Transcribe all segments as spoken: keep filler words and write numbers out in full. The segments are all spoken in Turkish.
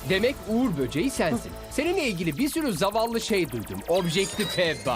Demek Uğur böceği sensin. Seninle ilgili bir sürü zavallı şey duydum. Objektife bak.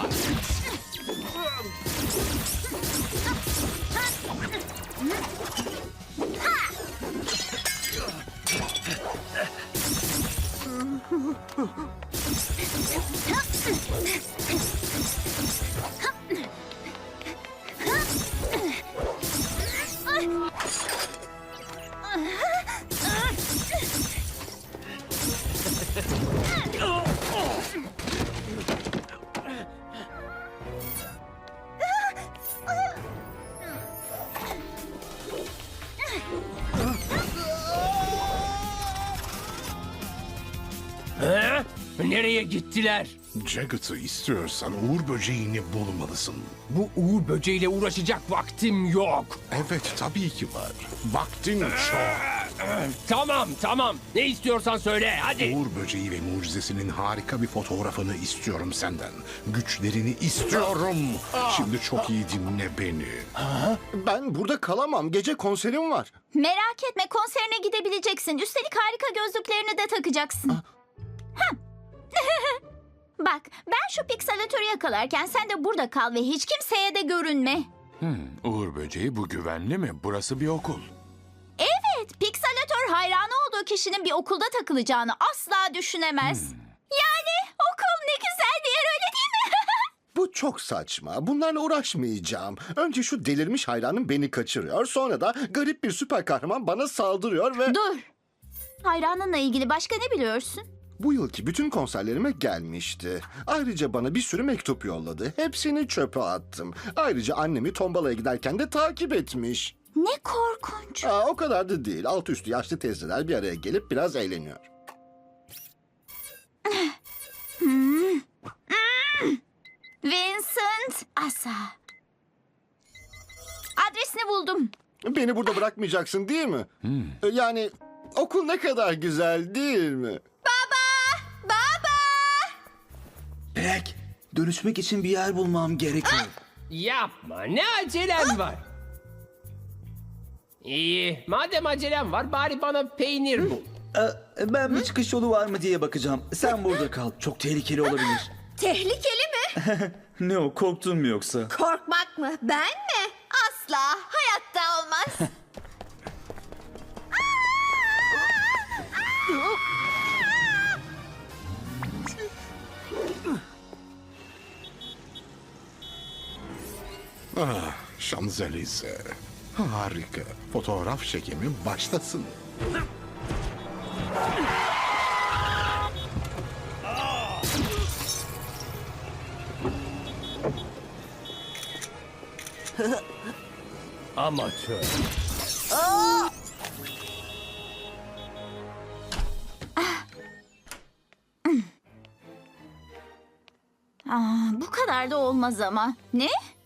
Ha? Nereye gittiler? Jagged'ı istiyorsan Uğur böceğini bulmalısın. Bu Uğur böceğiyle uğraşacak vaktim yok. Evet, tabii ki var. Vaktin çok. Tamam tamam. Ne istiyorsan söyle hadi. Uğur böceği ve mucizesinin harika bir fotoğrafını istiyorum senden. Güçlerini istiyorum. Şimdi çok iyi dinle beni. Ben burada kalamam. Gece konserim var. Merak etme, konserine gidebileceksin. Üstelik harika gözlüklerini de takacaksın. Hah. Bak, ben şu pikselatörü yakalarken sen de burada kal ve hiç kimseye de görünme. Uğur böceği bu güvenli mi? Burası bir okul. Evet, pikselatör hayranı olduğu kişinin bir okulda takılacağını asla düşünemez. Yani okul ne güzel bir yer, öyle değil mi? Bu çok saçma. Bunlarla uğraşmayacağım. Önce şu delirmiş hayranım beni kaçırıyor. Sonra da garip bir süper kahraman bana saldırıyor ve... Dur. Hayranınla ilgili başka ne biliyorsun? Bu yılki bütün konserlerime gelmişti. Ayrıca bana bir sürü mektup yolladı. Hepsini çöpe attım. Ayrıca annemi tombalaya giderken de takip etmiş. Ne korkunç. Aa, o kadar da değil. Altı üstü yaşlı teyzeler bir araya gelip biraz eğleniyor. Vincent, Asa. Adresini buldum. Beni burada bırakmayacaksın değil mi? Ee, Yani okul ne kadar güzel değil mi? Baba! Jack, dönüşmek için bir yer bulmam gerekiyor. Yapma, ne acelen var? İyi, madem acelem var bari bana peynir bul. Ee, ben bir çıkış yolu var mı diye bakacağım. Sen burada kal. Çok tehlikeli olabilir. Tehlikeli mi? Ne o, korktun mu yoksa? Korkmak mı? Ben mi? Asla. Hayatta olmaz. Ah, Şanzelize. Harika. Fotoğraf çekimi başlasın. Amatör. Aa, bu kadar da olmaz ama. Ne?